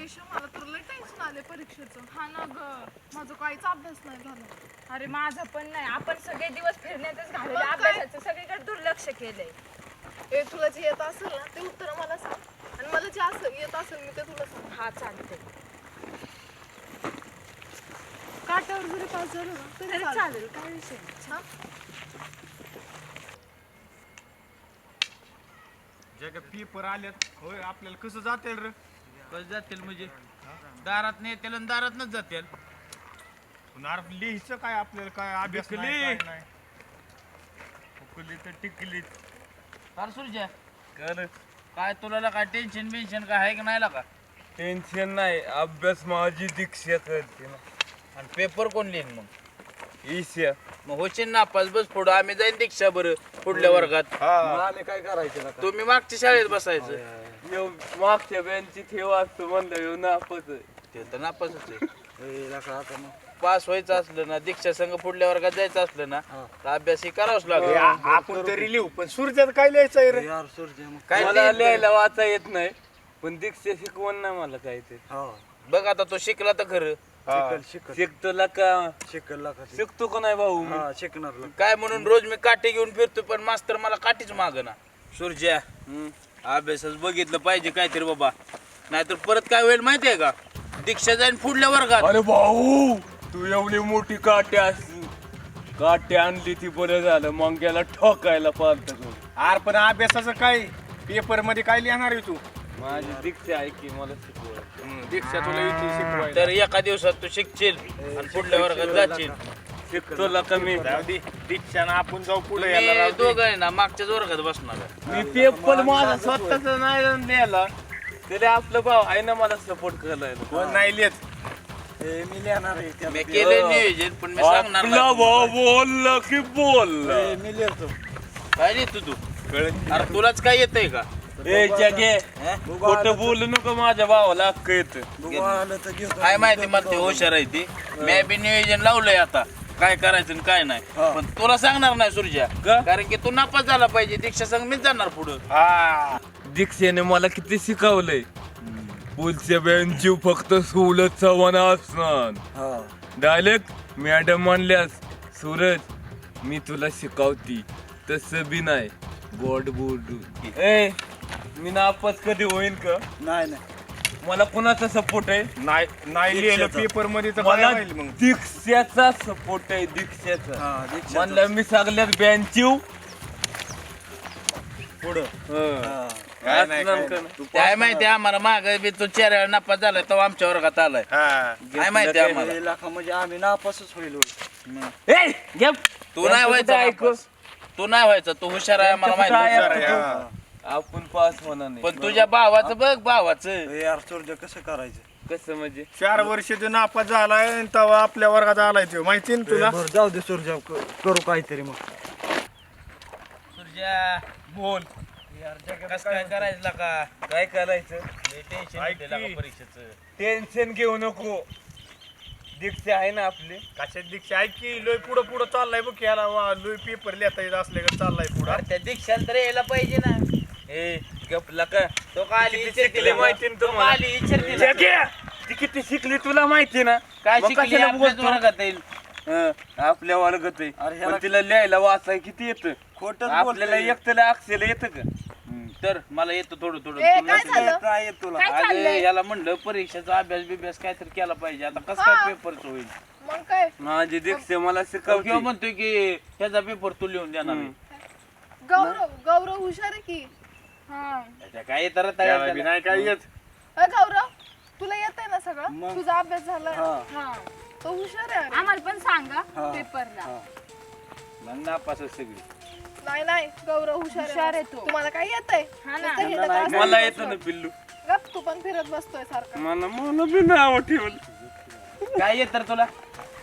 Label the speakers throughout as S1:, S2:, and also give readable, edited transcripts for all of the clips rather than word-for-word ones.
S1: ईशा मला तर लय टेन्शन आले परीक्षेचं. हा ना ग, माझा काहीच अभ्यास नाही झाला.
S2: अरे माझं पण नाही. आपण सगळे दिवस फिरण्यातच घालवले,
S1: मग काय?
S2: अभ्यासाचं सगळीकडे दुर्लक्ष केलंय.
S1: तुला जे येत असेल ना ते उत्तर मला सांग, आणि मला जे असं येत असेल मी ते तुला सांग.
S2: हा चालतंय.
S1: काट्यावर जरी पास झालं ना
S2: तरी
S1: तरी
S2: चालेल, काय विषय नाही.
S1: हा?
S3: जे का पेपर आल्यात होय आपल्याला कसं जातील रे?
S4: कसं जातील म्हणजे दारात नाही त्याला दारातनच जातील.
S3: पण लिहायचं काय आपल्याला काय अभ्यास
S4: टिकली.
S3: नाही, काय नाही. हुकली तर टिकलीच.
S4: फार सुरज्या काय तुला काय टेन्शन बिन्शन काय आहे की नाही का?
S5: टेन्शन नाही, अभ्यास माझी दीक्षा करते ना.
S4: आणि पेपर कोण लिहिन मग?
S5: ईशा
S4: मग होशील नापास बस पुढं आम्ही जाईन दीक्षा बरं पुढल्या वर्गात.
S5: आम्ही काय करायचं ना?
S4: तुम्ही मागच्या शाळेत बसायचं.
S5: मागच्या बेंची ठेव असतो म्हणलं येऊ नापच
S4: ते तर नापासच आहे. पास व्हायचं असलं ना दीक्षा संघ पुढल्या वर्गात जायचं असलं ना तर अभ्यास ही करावाच लागेल.
S3: आपण तरी लिहू पण सूर्यात काय लिहायचंय रे?
S4: काय
S5: मला
S4: लिहिलं?
S5: लिहायला वाचा येत नाही, पण दीक्षा शिकवण नाही मला काय ते.
S4: बघ आता तो शिकला तर खरं.
S5: शिकतो का शिकतो का नाही भाऊ मी?
S4: काय म्हणून रोज मी काठी घेऊन फिरतो पण मास्तर मला काठीच मागना. सूर्या अभ्यासच बघितलं पाहिजे काहीतरी बाबा, नाहीतर परत काय होईल माहितीये का? दीक्षा जाईन पुढल्या वर्गात.
S5: अरे भाऊ तू एवढी मोठी काठी आणली ती बरं झालं, मग गेला ठोकायला पाहत.
S3: आर पण अभ्यासाचं काय पेपर मध्ये काय लिहिणार आहे तू?
S5: माझी दीक्षा आहे की मला शिकव.
S3: दीक्षा तुला इथे शिकवायला.
S4: तर एका दिवसात तू शिकशील आणि पुढल्या वर्गात जाशील.
S5: शिकतो का मी?
S3: जाऊ दे, दीक्षानं आपण जाऊ पुढे
S4: तुम्ही
S3: यायला राहू दे.
S4: दोघं आहे ना मागच्याच वर्गात बसणार आहे.
S5: मी पेपर माझा स्वतःच नाही लिहायला, तरी आपलं भाऊ आहे ना मला सपोर्ट करायला.
S3: कोण नाही लिहित.
S4: मी केलं नियोजन पण मी सांगणार
S5: आपला
S4: नाही.
S5: भाऊ बोलला की बोलला.
S4: काय लिहितो तू? अरे तुलाच काय येतंय का?
S5: ए जगे खोटं बोलू नको, माझ्या भावाला हक्क येत.
S4: काय माहिती मला ते हुशार आहे ती. मी बी नियोजन लावलंय आता काय करायचं आणि काय नाही, पण तुला सांगणार नाही सूर्या, कारण की तू नापास झाला पाहिजे. दीक्षा संग मीच जाणार पुढं.
S3: हा
S5: दीक्षेने मला किती शिकवलंय. पुढच्या बेंचीव फक्त सुलत चव्हाण असणार. डायरेक्ट मॅडम म्हणल्यास सूरज मी तुला शिकवती तसं बी नाही गोड बोलू. ए मी नापास कधी होईन का? नाही मला कोणाचा सपोर्ट आहे?
S3: नाही लिहिलं पेपर मध्ये तर काय
S5: मला
S3: राहील मग?
S5: दीक्षाचा सपोर्ट आहे, दीक्षाचा. म्हणलं मी सगळ्यात बेंचीव पुढं.
S3: काय नाही, काय नाही.
S4: काय माहिती आम्हाला माग बी तू 4 वेळा नापास झालाय तो आमच्या वर्गात आलाय.
S3: हा
S4: काय माहिती आम्हाला.
S6: म्हणजे आम्ही नापासच होईल.
S5: ए गप.
S4: तू नाही व्हायचा नापास. तू नाही व्हायचा, तू हुशार आहे आम्हाला माहिती.
S5: हुशार
S3: आहे, हा.
S5: आपण पास होणार नाही.
S4: पण तुझ्या भावाचं बघ, भावाचं
S6: यार सूर्य कसं करायचं?
S5: कसं म्हणजे
S3: 4 वर्ष तो नापास झालाय आणि तेव्हा आपल्या वर्गात आलाय तो, माहिती ना तुला?
S6: बरं जाऊ दे सूर्य, करू काहीतरी मग.
S4: तुझ्या
S5: बोल.
S4: कसं काय करायचं का?
S5: काय करायचं?
S4: टेन्शन
S3: ऐक
S4: येतंय
S3: की.
S4: का परीक्षेचं?
S5: टेन्शन घेऊ नको, दीक्षा आहे ना आपली.
S3: कशात दीक्षा ऐक की लोय पुढं पुढं चाललाय बघ, याला लोय पेपर लिहिता येत असले का चाललाय पुढं.
S4: अरे त्या दीक्षाला तर यायला पाहिजे ना.
S5: ए गपला का?
S4: तो का आली
S5: किती
S4: विचार
S5: शिकली
S4: तिला.
S5: माहिती ना
S4: तो का
S5: तुम्हाला?
S4: आली विचार तिला.
S5: जग्या, ती किती शिकली तुला माहिती ना?
S4: काय
S5: मग
S4: शिकली
S5: कशाला
S4: आपल्याच
S5: बोलतो?
S4: वर्गात येईल.
S5: आपल्या वर्गात आहे.
S6: अरे ह्याला-
S5: पण तिला लिहायला वाचाय किती येतं?
S6: खोटं
S5: आपल्याला एकट्याला अक्षर येतं का?
S4: तर मला येतं थोडं थोडं.
S1: ए,
S4: तुला
S1: काय झालं?
S6: काय येत तुला?
S2: काय चाललंय?
S4: अरे याला म्हणलं परीक्षेचा अभ्यास बिभ्यास काहीतरी केला पाहिजे. आता कसं काय
S1: हा.
S4: पेपरच होईल?
S1: मग काय?
S5: माझी दीक्षा मला
S4: किंवा
S5: शिकवते.
S4: म्हणतोय की ह्याचा पेपर तू लिहून देणार आहे.
S1: गौरव हुशार आहे की. हा.
S4: त्याच्या काय येतं रे
S3: त्याला
S4: तयार
S3: बी नाही काय येत.
S1: गौरव तुला येत आहे ना सगळं? तुझा अभ्यास झालाय?
S2: हा
S1: तो हुशार आहे अरे.
S2: आम्हाला पण सांगा पेपरला.
S4: मग नापासच सगळी.
S1: नाही गौरव हुशार
S2: हुशार आहे तो.
S1: तुम्हाला काय येत आहे?
S2: हा ना.
S5: मला येतं ना पिल्लू.
S1: गप, तू पण फिरत बसतोय सारखं.
S5: मला बी नाव ठेवलं.
S4: काय येत तर तुला?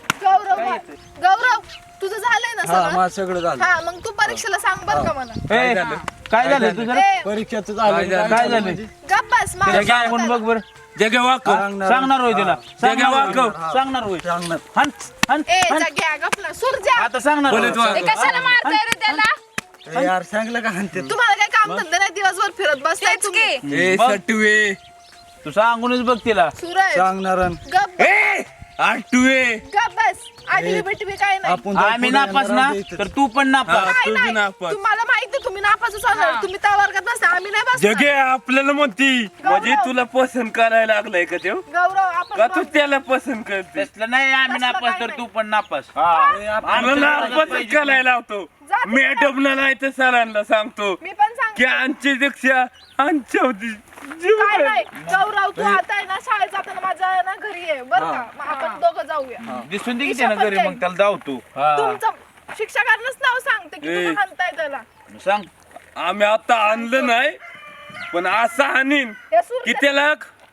S1: गौरव तुझं झालंय ना
S6: हा
S1: सगळं?
S6: माझं सगळं झालं.
S1: हा मग तू परीक्षेला सांग बर का मला.
S4: काय झालं तुझं?
S1: ए,
S6: परीक्षेचं झालं.
S4: काय झालं?
S1: गप बस मला
S4: सांगून बघ बर. जग्या वाकव.
S6: सांगणार.
S4: सांगणार होय तिला. जग्या वाकव. सांगणार होय.
S6: सांगणार.
S4: हन हन
S1: ए
S4: हन.
S1: जाग्या गप ना सूर्या.
S4: आता सांगणार होय.
S2: ते कशाला मारताय रे त्याला?
S6: ए, यार सांगलं का म्हणते?
S1: तुम्हाला काय काम धंदे नाही, दिवसभर फिरत बसताय
S2: तेच
S1: तुम्ही.
S2: की.
S5: ए सटवे
S4: तू सांगूनच बघ तिला.
S1: सूरज
S6: सांगणार
S1: गप
S5: ए आठवे
S1: गप बस आठवी बिटवी काय नाही
S6: आपण
S4: आम्ही नापास ना तर तू पण नापास.
S5: हा.
S1: काय
S5: तुझी
S1: नाही.
S5: नापास.
S1: तुम्हाला माहिती तुम्ही नापासच होणार तुम्ही त्या वर्गात बसता आम्ही नाही बसणार.
S5: जगे आपल्याला म्हणती म्हणजे तुला पसंत करायला लागलाय का ते
S1: गौरव आपण
S5: का तू त्याला पसंत करते
S4: तसलं नाही आम्ही
S1: तसलं
S4: नापास
S1: काय
S4: तर
S1: नाही.
S4: तू पण नापास.
S5: आम्हाला नापसंत करायला लावतो
S1: जा तुम्ही
S5: मॅडमला नाही तर सरांना सांगतो
S1: मी पण
S5: की
S1: सांगते
S5: आमची दीक्षा आमच्या जीव
S1: काय
S5: आहे.
S1: नाही गौरव तू आता आहे ना शाळेत जाताना माझ्या ना घरी ये बरं का मग आपण दोघं जाऊया
S4: दिसून दे की त्यानं घरी मग त्याला जाऊ तू.
S1: तुमचं शिक्षकांनाच नाव सांगते की
S5: ए.
S1: तुम्ही हाणताय त्याला
S4: सांग.
S5: आम्ही आता आणलं नाही पण असं आणीन
S1: हे सूर
S5: की त्याला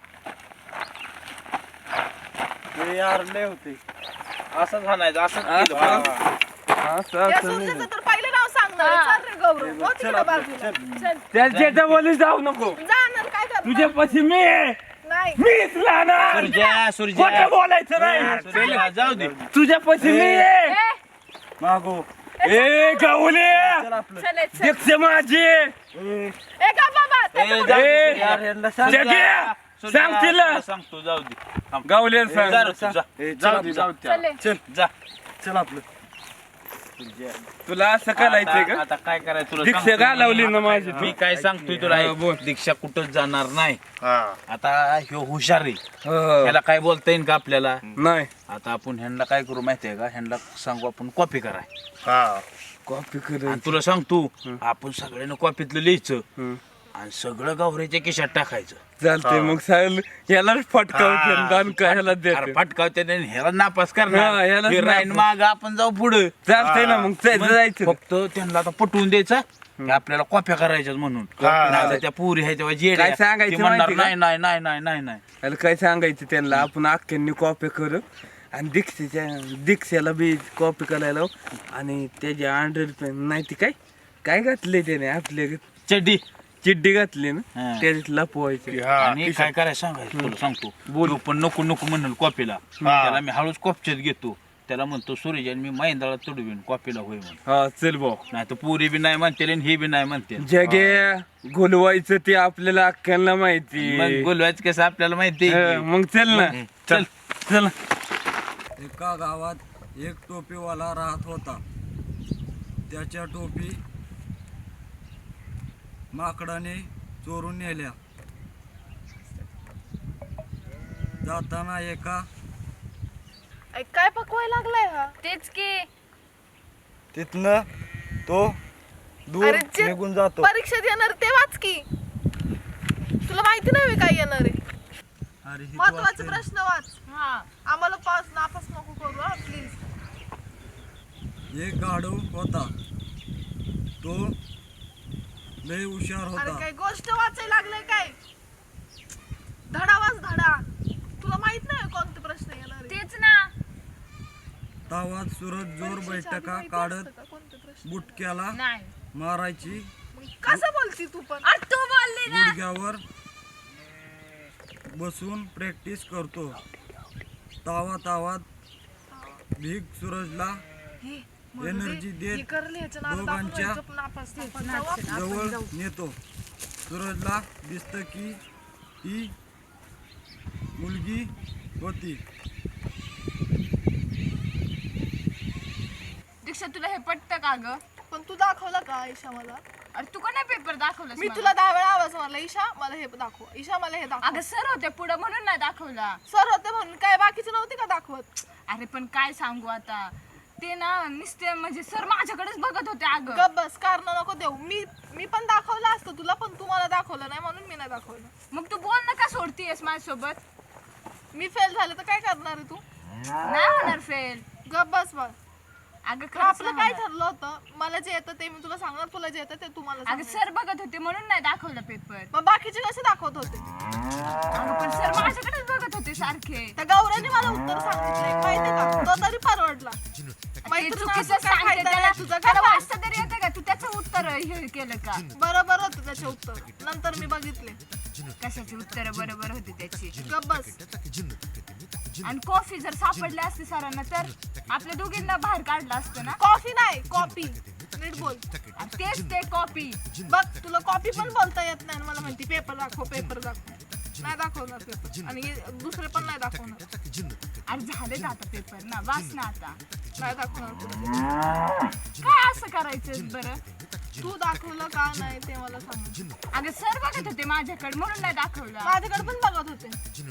S6: यार लय होते.
S4: असंच म्हणायचं असंच केलं.
S5: असं
S1: या
S5: असं नाही.
S1: सूर्याचं तर पहिले नाव सांगणार चल रे गौरव हो तिकडे बाजूला चल
S5: त्याच्या जवळ जाऊ नको
S1: जाणार काय करणार
S5: तुझ्यापाशी मी आहे.
S1: नाही
S5: मीच लहान
S4: सुरज्या सुरज्या
S5: खोटं बोलायचं नाही
S4: सुरज्या, जाऊ दे.
S5: तुझ्यापाशी मी आहे.
S6: मागो
S5: ए गावले
S6: चल आपलं
S2: चलायचं.
S5: दीक्ष माझी
S1: ए का बाबा
S4: ए,
S1: त्याचं-
S4: जाऊ दे.
S5: ए,
S6: यार यांना सांग.
S5: जगे
S4: सुरज्या,
S5: सांग तिला
S4: तुला सांगतो जाऊ दे. थांब.
S5: गावले
S4: जा रे,
S5: सांग
S4: तू जा.
S6: ए, चल
S5: जाऊ
S6: आपलं.
S5: दे जाऊ दे.
S2: चले.
S6: चल
S4: जा.
S6: चल आपलं
S5: तुला असं करायचंय
S4: आता
S5: का
S4: आता काय करायचं तुला
S5: दीक्षा
S4: सांगतो.
S5: घालवली ना माझी
S4: मी काय सांगतोय तुला
S5: हा,
S4: ऐक.
S5: बोल.
S4: दीक्षा कुठंच जाणार नाही.
S3: हा
S4: आता ह्यो हुशार आहे.
S5: हो.
S4: ह्याला काय बोलता येईल का आपल्याला.
S5: नाही
S4: आता आपण ह्यांना काय करू माहितीये का ह्यांना सांगू आपण कॉपी कराय.
S3: हा
S5: कॉपी
S4: आणि
S5: करायची
S4: तुला सांगतो आपण सगळ्यांना कॉपीतलं लिहायचं
S5: हम्म.
S4: आणि सगळं गावऱ्याच्या खिशात टाकायचं.
S5: चालतंय मग साहेब यालाच फटकावते
S3: हा.
S5: दान ह्याला
S4: अरे
S5: देते
S4: फटकावते आणि ह्याला नापास
S5: हा,
S4: करणार
S5: ह्यालाच
S4: हे राहीन
S5: नापास.
S4: माग आपण जाऊ पुढे.
S5: चालतंय ना मग जायचं
S4: फक्त त्यांना आता पटवून द्यायचं की आपल्याला कॉप्या करायच्यात म्हणून.
S3: हा.
S4: नाहीतर त्या पुरी ह्या तेव्हा जेड
S5: काय सांगायचं
S4: म्हणणार
S5: माहिती का?
S4: नाही नाही नाही नाही नाही नाही.
S5: त्याला काय सांगायचं त्यांना आपण अख्ख्यांनी कॉपी करू आणि दीक्षाला बी कॉपी करायला लावू. आणि त्याच्या अंडर पेन नाही ती काय काय घातले त्याने आपल्या
S4: चड्डी.
S5: चिड्डी घातली ना
S4: हा.
S5: त्याच्यात लपवायचं
S3: हा
S4: आणि काय करायचं सांगायचं तुला सांगतो.
S5: बोल.
S4: तो पण नको नको म्हणल कॉपीला. त्याला मी हळूच कॉपच्यात घेतो. त्याला म्हणतो सूर्य आणि मी महिंदाला तुडवीन कॉपीला होय म्हणून.
S5: हा चल भाऊ
S4: नाही तर पुरी बी नाही म्हणते आणि हे बी नाही म्हणते.
S5: जगे घोलवायचं ते आपल्याला अख्ख्यांना माहिती
S4: मग बोलवायचं कसं आपल्याला माहिती
S5: हा, मग चल ना
S4: चल.
S5: चल
S6: एका गावात एक टोपीवाला राहत होता. त्याच्या टोपी माकडाने चोरून नेल्या. जाताना एका
S1: ऐ, काय पकवाय लागलाय हा
S2: तेच की
S6: तिथनं तो दूर
S1: अरे जे
S6: निघून जातो.
S1: परीक्षेत येणार ते वाच की तुला माहिती नाही होय काय येणार आहे
S6: अरे ही
S1: महत्वाचे
S6: वाचते.
S1: प्रश्न वाच हा आम्हाला पास नापास नको करू हा प्लीज
S6: एक गाढव होता. तो लय हुशार
S1: अरे
S6: होता.
S1: काय गोष्ट वाचायला लागलाय काय धडा वाच धडा तुला माहित नाही कोणते प्रश्न येणार आहे?
S2: तेच ना.
S6: तावात सुरत जोर
S1: परीक्षेच्या आधी
S6: बैठका
S1: माहिती
S6: काढत
S1: असतं का कोणते प्रश्न?
S6: बुटक्याला
S2: नाही.
S6: मारायची.
S1: मग कसं बोलती तू पण
S2: अरे तू बोलली ना.
S6: गुडघ्यावर बसून प्रॅक्टिस करतो. तावात भीक सूरजला
S1: हे, म्हणू दे.
S6: एनर्जी
S1: हे
S6: देत
S1: करले ह्याच्या नादात आपण
S6: दोघांच्या
S1: व्हायचं नापास आपण जाऊ.
S6: जवळ नेतो. सूरजला दिसतं की ती मुलगी होती.
S2: दीक्षा तुला हे पटतं का ग?
S1: पण तू दाखवला का ईशा मला
S2: अरे तू का नाही पेपर दाखवलास
S1: मी
S2: मला?
S1: तुला 10 वेळा आवाज मारला ईशा मला हे दाखव ईशा मला हे दाखव
S2: अगं सर होते पुढे म्हणून नाही दाखवला.
S1: सर होते म्हणून काय बाकीचे नव्हते का दाखवत
S2: अरे पण काय सांगू आता ते ना नुसते म्हणजे सर माझ्याकडेच बघत होते अगं.
S1: गप बस कारण नको देऊ मी पण दाखवलं असतं तुला पण तू मला दाखवलं नाही म्हणून मी नाही दाखवलं
S2: मग तू बोल ना का सोडतीयस माझ्यासोबत.
S1: मी फेल झाले तर काय करणार आहे तू
S2: नाही होणार फेल.
S1: गप बस बस
S2: अगं
S1: तर
S2: खरंच
S1: आपलं
S2: नाही
S1: काय
S2: होणार.
S1: ठरलं होतं मला जे येतं ते मी तुला सांगणार तुला जे येतं ते तू मला
S2: अगं
S1: सांगणार.
S2: सर बघत होते म्हणून नाही दाखवला पेपर.
S1: मग बाकीचे कसे दाखवत होते
S2: अगं पण सर माझ्याकडेच बघत होते सारखे.
S1: त्या गौऱ्याने मला उत्तर सांगितलंय माहितीये का तो तरी परवडला
S2: ते
S1: मैत्रीण
S2: चुकीचं
S1: असं काय
S2: सांगते
S1: फायदा
S2: त्याला.
S1: नाही तुझा
S2: त्याला
S1: काय
S2: वाचता तरी येतं का? तू त्याचं उत्तर हे केलं का?
S1: बरोबर होतं त्याचे उत्तर नंतर मी बघितले
S2: कशाची उत्तर बरोबर होती त्याची.
S1: गप बस
S2: आणि कॉफी जर सापडली असती सरांना तर आपल्या दोघींना बाहेर काढलं असतं ना.
S1: कॉफी नाही कॉपी नीट बोल
S2: आणि तेच ते कॉपी.
S1: बघ तुला कॉपी पण बोलता येत नाही आणि मला म्हणती पेपर दाखव पेपर दाखव नाही दाखवणार पेपर आणि दुसरे पण नाही दाखवणार.
S2: अरे झाले आता पेपर ना, वाच ना आता.
S1: नाही दाखवणार पुढे.
S2: काय असं करायचं बरं?
S1: तू दाखवलं का नाही ते मला सांग.
S2: अगं सर बघत होते माझ्याकडे म्हणून नाही दाखवलं.
S1: माझ्याकडे पण बघत होते.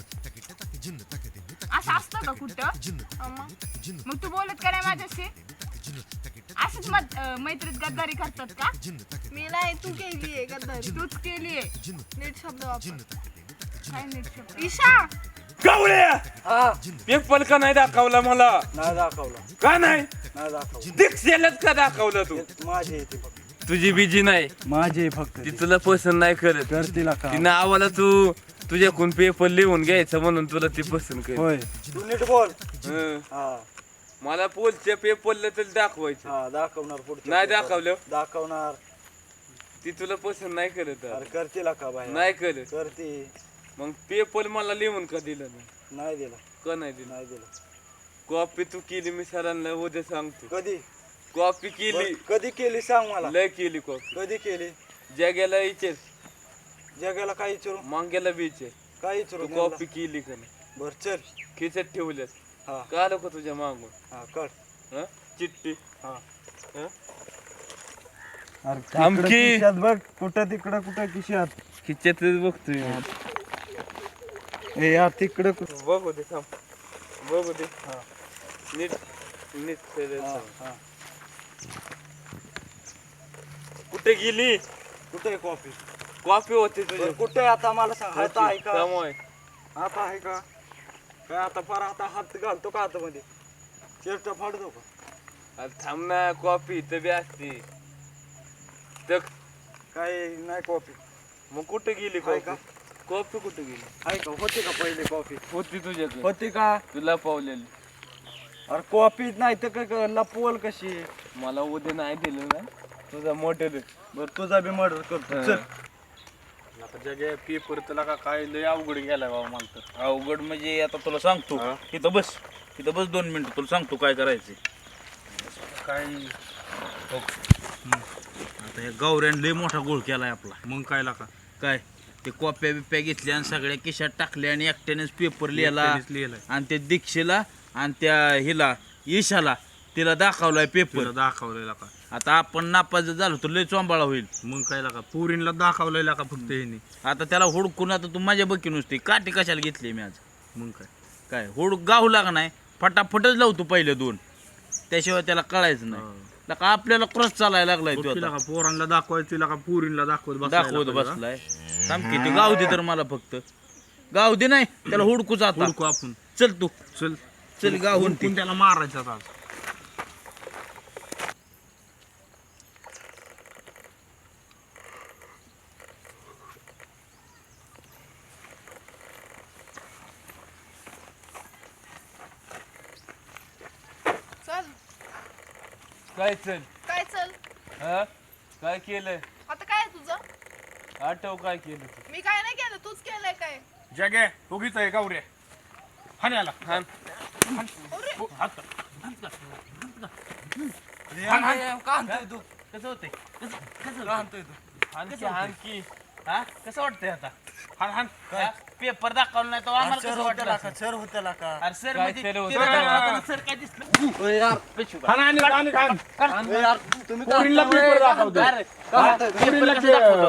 S2: असं असतं का कुठं?
S1: अम्मा,
S2: मग तू बोलत का नाही माझ्याशी? असंच मैत्रीत गद्दारी करतात का?
S1: मी नाही, तू केलीये गद्दारी.
S2: तूच केलीये.
S1: नीट शब्द वापर.
S2: काय नीट शब्द?
S1: ईशा,
S5: कावळ्या पेपर का नाही दाखवला मला?
S6: नाही दाखवला,
S5: का नाही
S6: नाही दाखवला.
S5: दीक्षेलाच का दाखवलं तू?
S6: माझे येते फक्त,
S5: तुझी बीजी नाही,
S6: माझे फक्त
S5: ती तुला पसंत नाही करत.
S6: करतील का?
S5: तिनं आम्हाला तू तुझ्याकडून पेपर लिहून घ्यायचं म्हणून तुला ती पसंत कर.
S6: होय, तू नीट बोल.
S5: हं.
S6: हा
S5: मला पोलच्या पेपरला तरी दाखवायचं.
S6: हा दाखवणार पुढचं.
S5: नाही दाखवलं
S6: दाखवणार.
S5: ती तुला पसंत नाही करत.
S6: अरे करतील का बाहेर?
S5: नाही करत.
S6: करते.
S5: मग पेपर मला लिहून का दिलं नाही?
S6: नाही दिला,
S5: का नाही दिलं?
S6: नाही दिला.
S5: कॉपी तू केली, मी सरांना उद्या सांगतो.
S6: कधी
S5: कॉपी केली,
S6: कधी केली सांग मला.
S5: लय केली कॉपी.
S6: कधी केली?
S5: जग्याला विचार,
S6: जगाला काय विचारू?
S5: मांग्याला विचार,
S6: काय विचारू?
S5: तू कॉपी केली का नाही?
S6: बर चल.
S5: खिचत ठेवल्यास
S6: हा
S5: का आलं का तुझ्या मागून?
S6: हा कर.
S5: हं? चिठ्ठी
S6: हा
S5: हं?
S6: अरे
S5: थांब
S6: तिकडं
S5: की.
S6: खिशात बघ, कुठं तिकडं कुठं खिशात.
S5: खिचतच बघतोय.
S6: ए यार तिकडं
S5: बघू दे, थांब बघू दे. नीट नीट सगळं
S6: हा,
S5: सांग.
S6: हा.
S5: कुठे गेली?
S6: कुठे कॉफी?
S5: कॉपी होती तुझी.
S6: कुठे आता मला सांग. आता आहे का?
S5: त्यामुळे
S6: आता आहे का? काय आता फार आता हात घालतो का आतमध्ये? शर्ट फाडतो का?
S5: थांब ना, कॉपी इथं बी असते. तर
S6: काय नाही कॉफी
S5: मग कुठे गेली
S6: आहे का?
S5: कॉपी? कॉपी कुठे गेली?
S6: आहे का? होती का पहिले कॉफी?
S5: होती तुझ्याकडे,
S6: होती का?
S5: तुला पावलेली.
S6: अरे कॉफी नाही तर काय लपवल कशी?
S5: मला उद्या नाही दिलं ना तुझा मोठं.
S6: बर तुझा बी मर्डर करतो. चल.
S3: आता जगे पेपर तुला का काय लय अवघड गेलाय बाबा मला तर.
S4: अवघड म्हणजे आता तुला सांगतो. इथं बस, इथं बस 2 मिनिटं, तुला सांगतो काय करायचं.
S3: काय
S4: आता या गौऱ्यानं लय मोठा गोळ केलाय आपला.
S3: मग काय लाका
S4: काय ते कॉप्या बिप्या घेतल्या आणि सगळ्या खिशात टाकल्या आणि एकट्यानेच पेपर लिहिला
S3: लिहिलाय
S4: आणि त्या दीक्षेला आणि त्या हिला ईशाला तिला दाखवलाय पेपर.
S3: तुला दाखवलेला का?
S4: आता आपण नापास झालो तर लय चोंबाळा होईल.
S3: मग काय लाका पुरीला दाखवलेला का फक्त ह्यानी?
S4: आता त्याला हुडकून आता तू माझ्या बकी नुसती काठी कशाला घेतली मी आज?
S3: मग काय
S4: काय हुडक गाव लागा नाही, फटाफटच लावतो पहिले 2, त्याशिवाय त्याला कळायचं नाही. लका आपल्याला क्रॉस चालायला लागलाय तो
S3: तिला
S4: आता.
S3: का पोरांना दाखवायचं, तिला का पुरीला दाखवत
S4: दाखवत बसलाय. थांब की, ते गाव दे तर मला फक्त. गाव दे नाही त्याला हुडकूच आता.
S3: हुडकू आपण.
S4: चल तू
S3: चल
S4: चल गाव
S3: हुडकून त्याला मारायचं आता.
S1: चल.
S5: काय चल?
S1: काय चल?
S5: हा काय केलंय?
S1: आता काय आहे तुझं?
S5: आठव काय केलं तू?
S1: मी काय नाही केलं, तूच केलंय काय?
S3: जगे उगीच आहे गावऱ्या. हाण्याला
S5: हाण.
S4: कसं होतंय?
S5: आणखी आणखी
S4: हा कसं वाटतंय आता?
S3: हाण हाण.
S4: हा? पेपर दाखवला नाही तर आम्हाला कसं वाटलं
S6: का?
S4: असेल?
S6: सर होत्याला का?
S4: अरे सर
S5: काय
S4: म्हणजे
S5: सर होतं?
S4: तिला दाखवताना सर काय दिसलं?
S3: हाण आणि हाण हाण.
S6: ए यार तुम्ही
S3: पुरीला पेपर दाखवतो.
S4: अरे, पेपर कसं दाखवतो?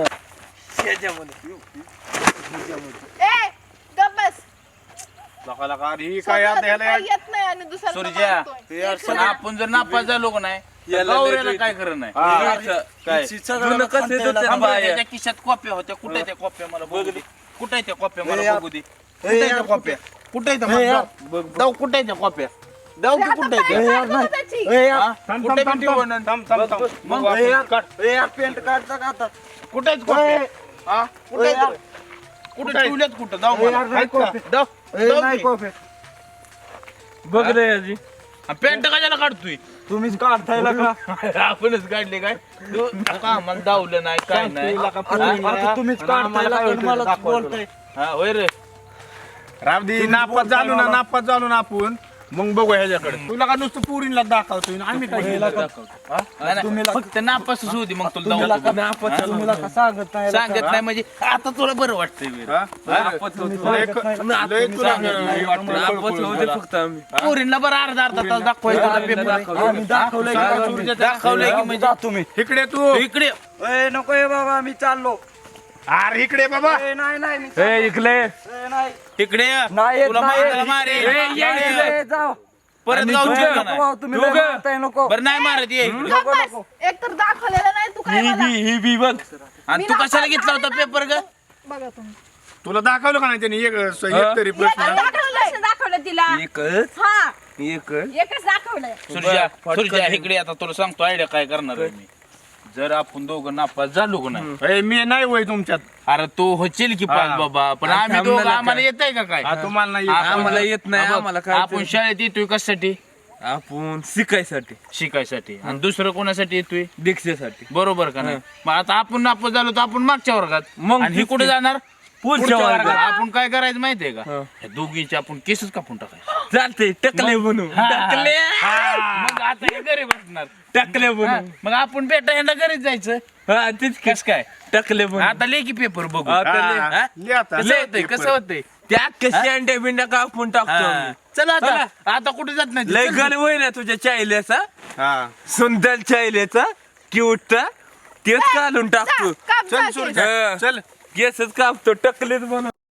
S1: ए, गप बस.
S3: लका लका अरे ही काय आता
S1: स्वतःला
S3: ह्याला
S1: काही येत नाही आणि दुसऱ्याला
S4: सूर्या,
S1: मारतोय.
S4: पण आपण जर नापास झालो का नाही
S5: याला
S4: गावऱ्याला
S5: लय
S4: काय खरं नाही.
S5: काय
S6: शिक्षा
S5: जुनं कसं
S6: खांद्याला
S5: होतं
S4: थांबा,
S5: बाया?
S4: त्याच्या खिशात कॉप्या होत्या. कुठे त्या कॉप्या मला बघू दे. कुठे त्या कॉप्या मला
S6: यार.
S4: बघू दे. कुठे त्या कॉप्या? कुठे त्या
S6: यार.
S4: दाव कुठे त्या कॉप्या? दाव की
S1: आता
S4: कुठे
S1: पाय
S4: त्या?
S1: काढ तुझं त्याची.
S6: ए यार,
S4: हा?
S3: थांब
S4: कुठे
S3: थांब
S4: भेटी
S3: थांब
S4: बनवून?
S3: थांब थांब थांब.
S4: मग
S3: बघू
S6: ए
S3: आपण.
S6: यार, ए यार पेंट काढता का आता?
S4: कुठे आहेत कॉप्या? हा? कुठे
S6: ए
S4: आहेत?
S6: यार.
S4: कुठे ठेवल्यात कुठं? दाव
S6: ए
S4: मला.
S6: यार, नाही
S4: आहेत का?
S6: कॉफी.
S4: दाव.
S6: ए
S4: दाव
S6: नाही
S4: की.
S6: कॉफी.
S5: बघ रे आजी.
S4: हा, पॅन्ट कशाला काढतोय?
S6: तुम्हीच काढतायला का?
S4: आपणच काढले काय? तू आता आम्हाला दावलं नाही काय नाही.
S6: आता तुम्हीच काढतायला का? मला बोलताय.
S4: हा होय रे.
S3: रामदी नापास झालो ना आपण मग बघू ह्याच्याकडे तुला का नुसतं पुरीला दाखवतोय ना आम्ही काय केलं?
S4: नाही, नाही, फक्त नापासच होती मग तुला दाखवतो.
S6: तुम्ही का सांगत नाही
S4: सांगत नाही म्हणजे आता तुला बरं वाटतंय बरं.
S3: हा? लय तुला हे वाटतं,
S5: नापास होते फक्त आम्ही.
S4: पोरींना बरं अर्धा तास दाखवायचं पेपर
S6: आम्ही दाखवलंय की
S4: दाखवलंय की म्हणजे
S6: तुम्ही
S3: इकडे तू
S4: इकडे
S6: ए नको ए बाबा मी चाललो
S3: अरे इकडे बाबा
S6: ए नाही नाही मी
S5: ए इकले
S6: ए, नाही
S4: इकडे ये.
S6: नाही येत,
S4: तुला
S6: नाही
S4: मारायला
S6: येत.
S4: मारेल.
S6: ए, जाऊ
S4: परत
S5: आणि
S4: गावची
S5: तुझं-
S4: का नाही?
S6: नको, तुम्ही लय मारताय, नको
S4: बरं नाही मारत ये इकडे.
S1: गप्प बस. एक तर दाखवलेलं नाही तू काय मला.
S5: ही बी बघ
S4: आणि तू कशाला घेतला होता पेपर ग
S1: बघा तुम्ही
S3: तुला दाखवलं का नाही त्याने एक तरी प्रश्न
S2: कसं दाखवलं तिला
S5: एकच
S2: हा
S5: एकच
S2: एकच दाखवलंय
S4: सुरजा इकडे आता तुला सांगतो आयडिया काय करणार आहे मी. जर आपण दोघं नापास झालो का नाही
S3: ए, मी नाही वय तुमच्यात
S4: अरे तू होशील की पास बाबा पण आम्ही
S5: थांब ना
S4: दोघं
S5: नका.
S4: आम्हाला येत आहे का काय
S3: हा, तुम्हाला नाही येत.
S4: आपण-
S5: आम्हाला येत नाही,
S4: आपण-
S5: आम्हाला काय
S4: आपण
S5: ते-
S4: शाळेत येतोय कशासाठी
S5: आपण शिकायसाठी
S4: शिकायसाठी आणि दुसरं कोणासाठी येतोय
S5: दीक्षेसाठी
S4: बरोबर का नाही मग आता आपण नापास झालो तर आपण मागच्या वर्गात
S5: मग
S4: आणि हे
S5: तेच
S4: कुठे
S5: की.
S4: जाणार
S5: पुढच्या वर्गात.
S4: आपण काय करायचं माहितीये का
S5: हा.
S4: ह्या दोघींचे आपण केसच कापून टाकायचे
S5: चालते टकले बनू टकले
S4: मग आता हे घरी बसणार
S5: टकले
S4: हा,
S5: बनू
S4: मग आपण भेटा यांना घरीच जायचं
S5: हा तेच
S4: कस काय
S5: टकले बनू
S4: आता लेखी पेपर बघू
S5: आता ले.
S4: हा?
S3: लिह आता.
S4: कसं होतंय कसं होतंय
S5: त्या कशी अंड्या बिंड्या कापून टाकतो आम्ही.
S4: चला आता
S5: चला.
S4: आता कुठे जात नाही
S5: लय
S4: चल.
S5: गल होय ना तुझ्या चायल्याचा
S3: हा
S5: सुंदर चायल्याचा क्यूटचा तेच घालून टाकतो
S1: काप
S3: चल
S1: जा,
S3: सुरजा
S5: हा.
S3: चल
S5: केसच कापतो टकलेच बनव